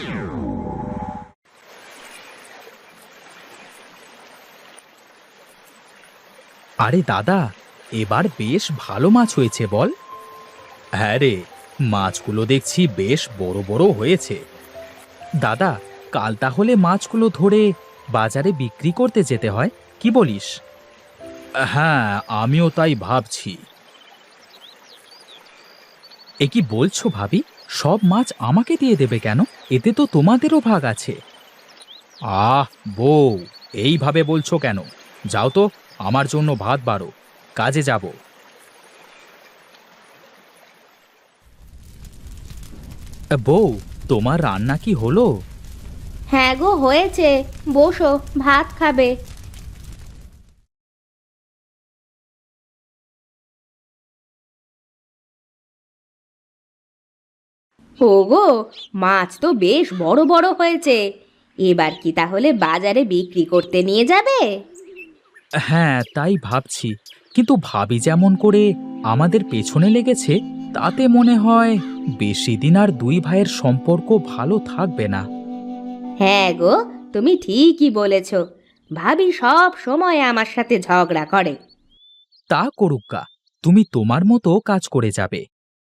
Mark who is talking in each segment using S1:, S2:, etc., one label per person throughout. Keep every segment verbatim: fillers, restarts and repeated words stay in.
S1: আরে দাদা, এবার বেশ ভালো মাছ হয়েছে বল। হ্যাঁ রে, মাছগুলো দেখছি বেশ বড় বড় হয়েছে। দাদা, কাল তাহলে মাছগুলো ধরে বাজারে বিক্রি করতে যেতে হয়, কি বলিস? হ্যাঁ, আমিও তাই ভাবছি। এ কি বলছো ভাবি? সব মাছ আমাকে দিয়ে দেবে কেন? এতে তো তোমাদেরও ভাগ আছে। আহ বউ, এইভাবে বলছো কেন? যাও তো, আমার জন্য ভাত বাড়ো, কাজে যাব। বউ, তোমার রান্না কি হলো?
S2: হ্যাঁ গো, হয়েছে। বসো, ভাত খাবে। ওগো, মাছ তো বেশ বড় বড় হয়েছে। এবার কি তাহলে বাজারে বিক্রি করতে নিয়ে যাবে?
S1: হ্যাঁ, তাই ভাবছি, কিন্তু ভাবি যেমন করে আমাদের পেছনে লেগেছে, তাতে মনে হয় বেশি দিন আর দুই ভাইয়ের সম্পর্ক ভালো থাকবে না।
S2: হ্যাঁ গো, তুমি ঠিকই বলেছ। ভাবি সব সময় আমার সাথে ঝগড়া করে।
S1: তা করুক্কা, তুমি তোমার মতো কাজ করে যাবে।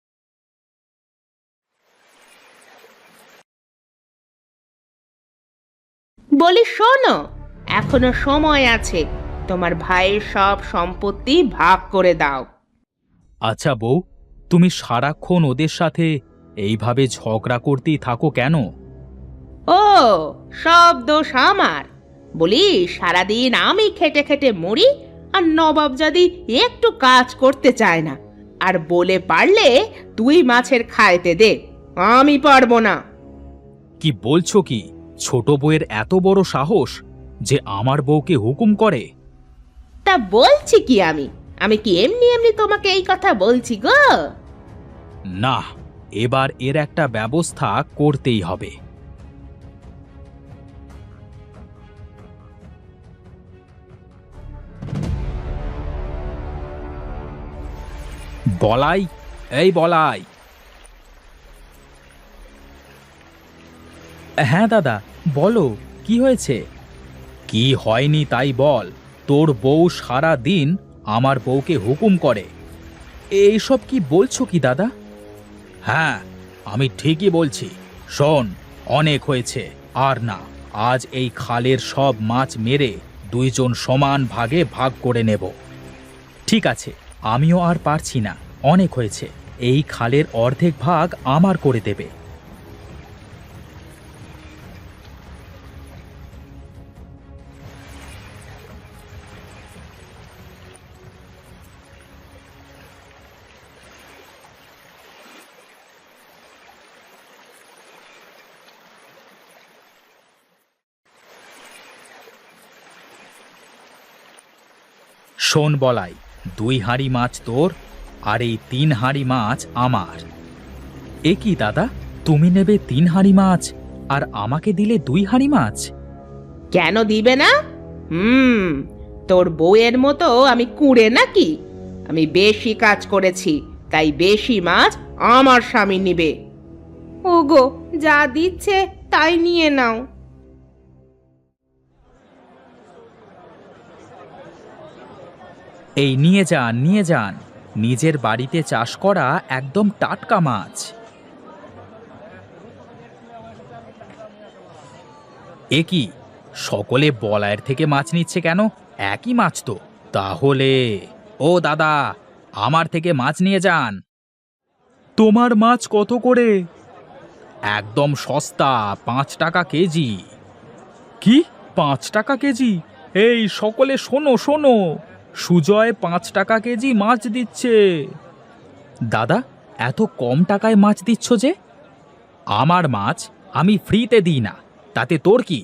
S2: বলি শোনো, এখনো সময় আছে। তোমার ভাইয়ের সব সম্পত্তি ভাগ করে দাও।
S1: আচ্ছা বউ, তুমি সারাক্ষণ ওদের সাথে এইভাবে ঝগড়া করতেই থাকো কেন?
S2: ও, সব দোষ আমার? বলি, সারাদিন আমি খেটে খেটে মরি, আর নবাবজাদি একটু কাজ করতে চায় না। আর বলে পারলে তুই মাছের খাইতে দে, আমি পারবো না।
S1: কি বলছো কি? ছোট বউয়ের এত বড় সাহস যে আমার বউকে হুকুম করে?
S2: তা বলছি কি আমি? আমি কি এমনি এমনি তোমাকে এই কথা বলছি গো?
S1: না, এবার এর একটা ব্যবস্থা করতেই হবে। বলাই, এই বলাই। হ্যাঁ দাদা, বলো, কি হয়েছে? কি হয়নি তাই বল। তোর বউ সারা দিন আমার বউকে হুকুম করে। এইসব কি বলছো কি দাদা? হ্যাঁ, আমি ঠিকই বলছি। শোন, অনেক হয়েছে, আর না। আজ এই খালের সব মাছ মেরে দুইজন সমান ভাগে ভাগ করে নেব। ঠিক আছে, আমিও আর পারছি না, অনেক হয়েছে। এই খালের অর্ধেক ভাগ আমার করে দেবে। শোন বলাই, দুই হাঁড়ি মাছ তোর, আর এই তিন হাঁড়ি মাছ আমার। এ কি দাদা, তুমি নেবে তিন হাঁড়ি মাছ আর আমাকে দিলে দুই হাঁড়ি মাছ?
S2: কেন দিবে না? হুম, তোর বউয়ের মতো আমি কুঁড়ে নাকি? আমি বেশি কাজ করেছি, তাই বেশি মাছ আমার স্বামী নিবে। ওগো, যা দিচ্ছে তাই নিয়ে নাও।
S1: এই নিয়ে যান, নিয়ে যান, নিজের বাড়িতে চাষ করা একদম টাটকা মাছ। এ কি, সকলে বলায়ের থেকে মাছ নিচ্ছে কেন? একই মাছ তো। তাহলে ও দাদা, আমার থেকে মাছ নিয়ে যান। তোমার মাছ কত করে? একদম সস্তা, পাঁচ টাকা কেজি। কি, পাঁচ টাকা কেজি? এই সকলে শোনো শোনো, সুজয় পাঁচ টাকা কেজি মাছ দিচ্ছে। দাদা, এত কম টাকায় মাছ দিচ্ছ যে? আমার মাছ আমি ফ্রিতে দিই না, তাতে তোর কি?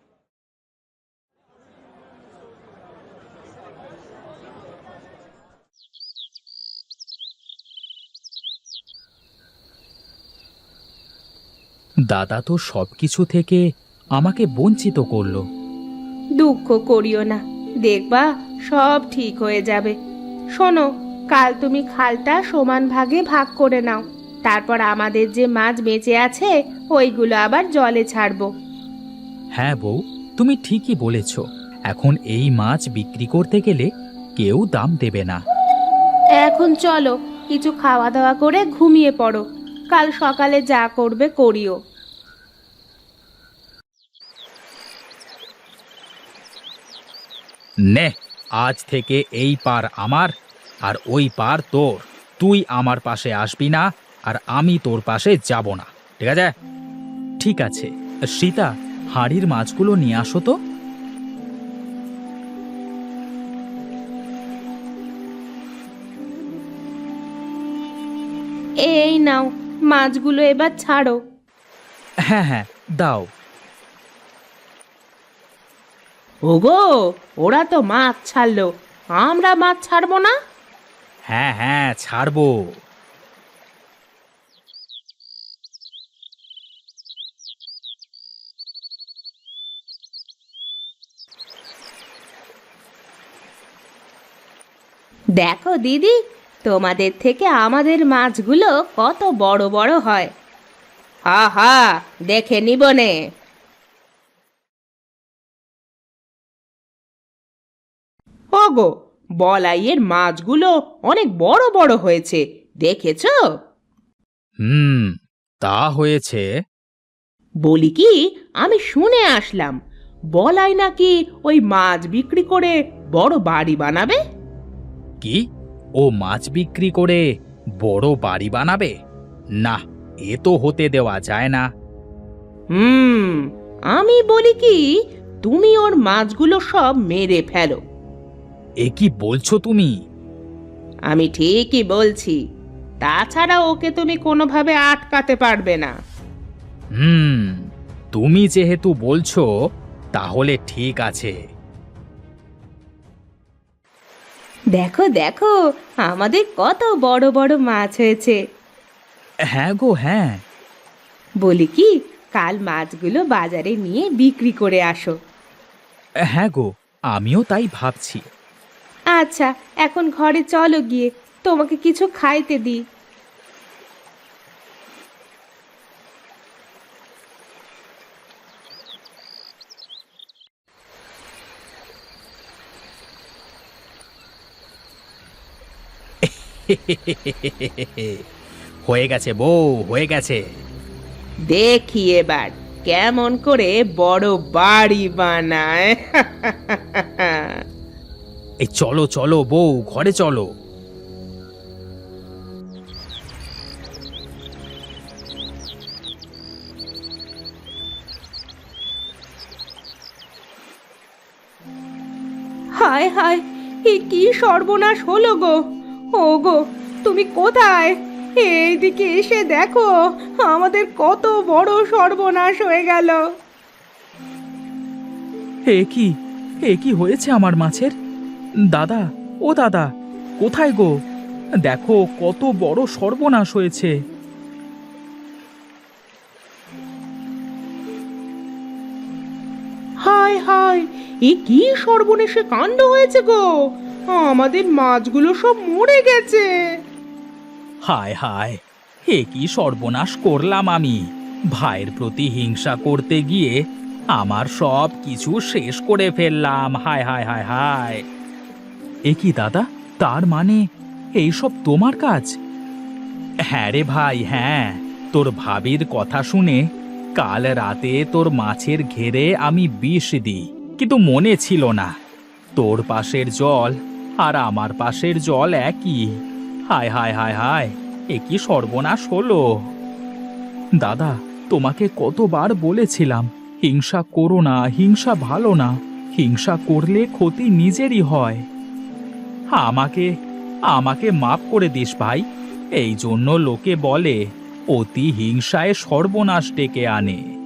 S1: দাদা তো সবকিছু থেকে আমাকে বঞ্চিত করলো।
S2: দুঃখ করিও না, দেখবা সব ঠিক হয়ে যাবে। শোনো, কাল তুমি খালটা সমান ভাগে ভাগ করে নাও। তারপর আমাদের যে মাছ বেঁচে আছে ওইগুলো আবার জলে ছাড়বো।
S1: হ্যাঁ বউ, তুমি ঠিকই বলেছ। এখন এই মাছ বিক্রি করতে গেলে কেউ দাম দেবে না।
S2: এখন চলো কিছু খাওয়া দাওয়া করে ঘুমিয়ে পড়ো, কাল সকালে যা করবে করিও।
S1: নে, আজ থেকে এই পার আমার আর ওই পার তোর। তুই আমার পাশে আসবি না আর আমি তোর পাশে যাব না, ঠিক আছে? ঠিক আছে। সীতা, হাঁড়ির মাছগুলো নিয়ে আসো তো।
S2: এই নাও, মাছগুলো এবার ছাড়ো।
S1: হ্যাঁ হ্যাঁ, দাও।
S2: ওগো, ওরা তো মাছ ছাড়লো, আমরা মাছ ছাড়বো না?
S1: হ্যাঁ হ্যাঁ, ছাড়বো।
S2: দেখো দিদি, তোমাদের থেকে আমাদের মাছগুলো কত বড় বড় হয়। হা হা, দেখে নিবনে। ওগো, বলাইয়ের মাছগুলো অনেক বড় বড় হয়েছে, দেখেছো?
S1: হুম, তা হয়েছে।
S2: বলি কি, আমি শুনে আসলাম বলাই নাকি ওই মাছ বিক্রি করে বড় বাড়ি বানাবে।
S1: কি, ও মাছ বিক্রি করে বড় বাড়ি বানাবে? না, এ তো হতে দেওয়া যায় না।
S2: হুম, আমি বলি কি, তুমি ওর মাছগুলো সব মেরে ফেলো।
S1: এ কি বলছো তুমি?
S2: আমি ঠিকই বলছি, তাছাড়া ওকে তুমি কোনোভাবে আটকাতে পারবে না।
S1: হুম, তুমি যেহেতু বলছো তাহলে ঠিক আছে।
S2: দেখো দেখো, আমাদের কত বড় বড় মাছ হয়েছে।
S1: হ্যাঁ গো, হ্যাঁ।
S2: বলি কি, কাল মাছগুলো বাজারে নিয়ে বিক্রি করে আসো।
S1: হ্যাঁ গো, আমিও তাই ভাবছি।
S2: আচ্ছা, এখন ঘরে চলো, গিয়ে তোমাকে কিছু খাইতে দিই।
S1: হয়ে গেছে বউ, হয়ে গেছে।
S2: দেখি এবার কেমন করে বড় বাড়ি বানায়।
S1: এই চলো চলো বউ, ঘরে চলো।
S2: হায় হায়, এ কি সর্বনাশ হলো গো! ও গো, তুমি কোথায়? এইদিকে এসে দেখো, আমাদের কত বড় সর্বনাশ হয়ে গেল।
S1: এ কি, এ কি হয়েছে আমার মাছের? দাদা, ও দাদা, কোথায় গো? দেখো কত বড় সর্বনাশ হয়েছে।
S2: হায় হায়, এ কি সর্বনেশে কাণ্ড হয়েছে গো! আমাদের মাছগুলো সব মরে গেছে।
S1: হায় হায়, এ কি সর্বনাশ করলাম আমি! ভাইয়ের প্রতি হিংসা করতে গিয়ে আমার সব কিছু শেষ করে ফেললাম। হায় হায় হায় হায়! এ কি দাদা, তার মানে এইসব তোমার কাজ? হ্যাঁ রে ভাই, হ্যাঁ। তোর ভাবির কথা শুনে কাল রাতে তোর মাছের ঘেরে আমি বিষ দিই, কিন্তু মনে ছিল না তোর পাশের জল আর আমার পাশের জল একই। হায় হায় হায় হায়, এ কি সর্বনাশ হলো! দাদা, তোমাকে কতবার বলেছিলাম হিংসা করো না, হিংসা ভালো না, হিংসা করলে ক্ষতি নিজেরই হয়। আমাকে আমাকে মাফ করে দিস ভাই। এই জন্য লোকে বলে অতি হিংসায় সর্বনাশ ডেকে আনে।